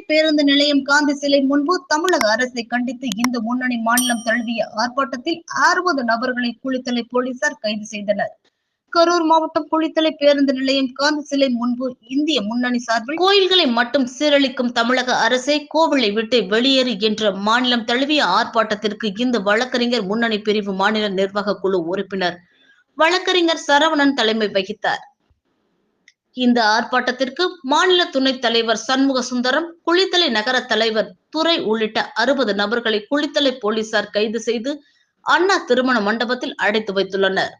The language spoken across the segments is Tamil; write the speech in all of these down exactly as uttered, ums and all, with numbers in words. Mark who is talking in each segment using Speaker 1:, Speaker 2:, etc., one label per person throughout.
Speaker 1: பேருந்து நிலையம் காந்தி சிலை முன்பு தமிழக அரசை கண்டித்து இந்து முன்னணி மாநிலம் தழுவிய ஆர்ப்பாட்டத்தில் அறுபது நபர்களை குளித்தலை போலீசார் கைது செய்தனர். கரூர் மாவட்டம் குளித்தலை பேருந்து நிலையம் காந்தி சிலை முன்பு இந்திய முன்னணி சார்பில் கோயில்களை மட்டும் சீரழிக்கும் தமிழக அரசை கோவிலை விட்டு வெளியேறு என்ற மாநிலம் தழுவிய ஆர்ப்பாட்டத்திற்கு இந்த வழக்கறிஞர் முன்னணி பிரிவு மாநில நிர்வாக குழு உறுப்பினர் வழக்கறிஞர் சரவணன் தலைமை வகித்தார். இந்த ஆர்ப்பாட்டத்திற்கு மாநில துணைத் தலைவர் சண்முக சுந்தரம், குளித்தலை நகர தலைவர் துரை உள்ளிட்ட அறுபது நபர்களை குளித்தலை போலீசார் கைது செய்து அண்ணா திருமண மண்டபத்தில் அடைத்து வைத்துள்ளனர்.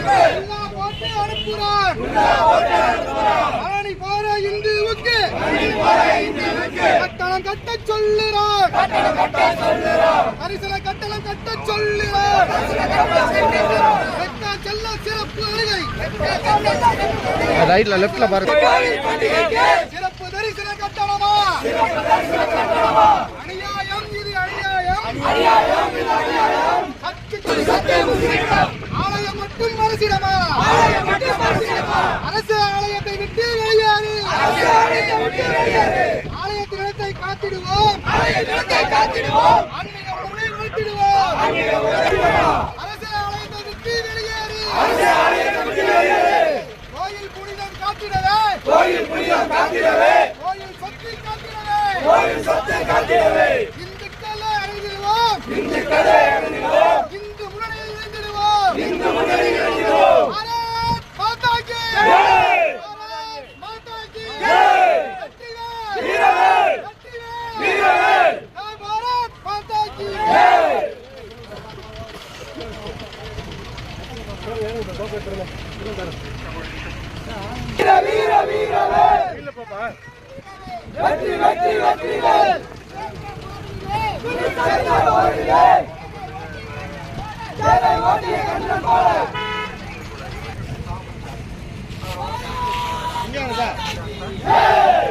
Speaker 2: ரைட்ல லெஃப்ட்ல பாருங்க.
Speaker 3: சிறப்பு தரிசன கட்டணமா? அநியாயம் இது அநியாயம். அநியாயம் இது அநியாயம். ஆலயம் மட்டும் அரசிடமா? ஆலயம் மட்டும் அரசிடமா? அரசு ஆலயத்தை விட்டு வெளியேறு. அரசு ஆலயத்தை விட்டு வெளியேறு. ஆலயத்தின் இடத்தை காத்திடுவோம். ஆலயத்தின் இடத்தை காத்திடுவோம். ஆன்மீக உணர்வை வளர்த்திடுவோம். ஆன்மீக உணர்வை அரசு ஆலயத்தை விட்டு வெளியேறு. அரசு ஆலயத்தை விட்டு வெளியேறு. கோயில் புனிதம் காத்திடவே. கோயில் புனிதம் காத்திடவே. கோயில் சொத்தை காத்திடவே. கோயில் சொத்தை காத்திடவே. இந்துக்களை அடைந்திடுவோம். இந்துக்களை அடைந்திடுவோம். இந்து முன்னணியில் இணைந்திடுவோம். இந்து முன்னணியில் இணைந்திடுவோம். பாரத் மாதா கி ஜெய். பாரத் மாதா கி ஜெய். வெற்றிவேல். வீரவேல். வெற்றிவேல். வீரவேல். பாரத் மாதா கி ஜெய். வீர வீர வீரவேல். இல்ல பாப்பா. வெற்றி வெற்றி வெற்றிவேல். சர்தார் ஓடிலே. ஜெரை ஓடிய கண்ணன் போல. இங்க வாடா. ஜெய்.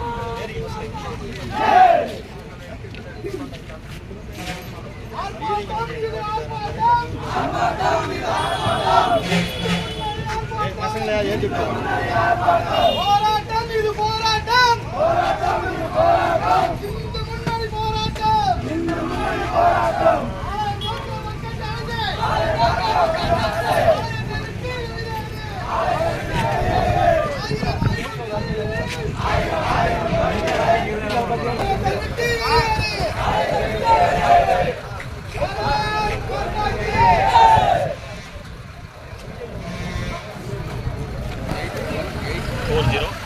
Speaker 3: ஜெய். ஆர்ப்பாட்டம் இது ஆர்ப்பாட்டம். ஆர்ப்பாட்டம் இது ஆர்ப்பாட்டம். பசங்களே ஏத்தி போராட்டம் இது போராட்டம். போராட்டம் இது போராட்டம். இந்து முன்னணி போராட்டம். இந்து முன்னணி போராட்டம்.
Speaker 4: four zero